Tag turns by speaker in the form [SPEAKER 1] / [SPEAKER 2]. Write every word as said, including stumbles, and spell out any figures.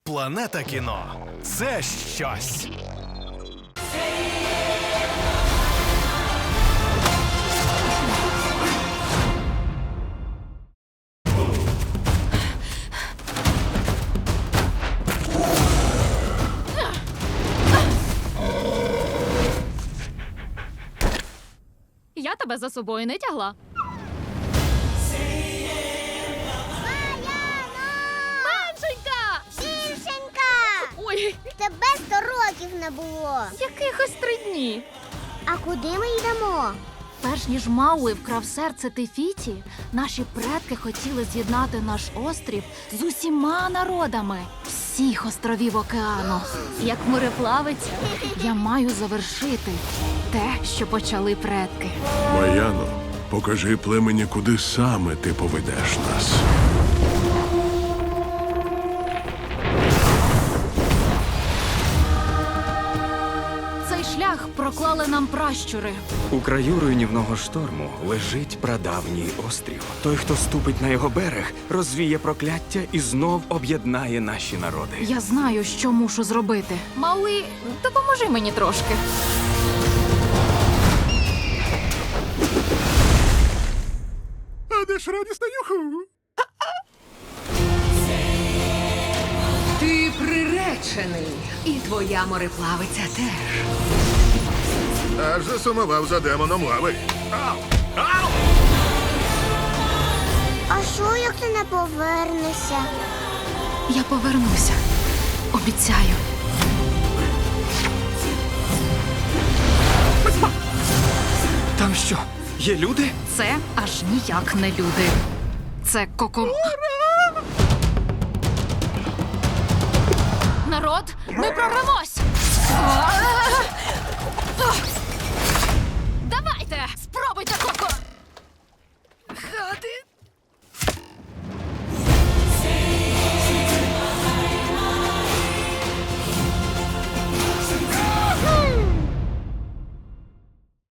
[SPEAKER 1] Планета кіно – це щось.
[SPEAKER 2] Я тебе за собою не тягла. Меншенька!
[SPEAKER 3] Більшенька!
[SPEAKER 2] Ой,
[SPEAKER 3] Тебе сто років не було.
[SPEAKER 2] якихось три дні.
[SPEAKER 3] А куди ми йдемо?
[SPEAKER 4] Перш ніж Мауи вкрав серце Тефіті, наші предки хотіли з'єднати наш острів з усіма народами всіх островів океану. Як мореплавиця, я маю завершити те, що почали предки.
[SPEAKER 5] Маяно, покажи племені, куди саме ти поведеш нас.
[SPEAKER 4] Цей шлях проклали нам пращури.
[SPEAKER 6] У краю руйнівного шторму лежить прадавній острів. Той, хто ступить на його берег, розвіє прокляття і знов об'єднає наші народи.
[SPEAKER 4] Я знаю, що мушу зробити.
[SPEAKER 2] Мауи, допоможи мені трошки.
[SPEAKER 5] А де ж радісна юху?
[SPEAKER 7] Ти приречений, і твоя мореплавиця теж.
[SPEAKER 5] Аж засумував за демоном лави.
[SPEAKER 3] А що, як ти не повернешся?
[SPEAKER 4] Я повернуся. Обіцяю.
[SPEAKER 6] Там що, є люди?
[SPEAKER 4] Це аж ніяк не люди. Це коко... Народ, ми прорвемось! А!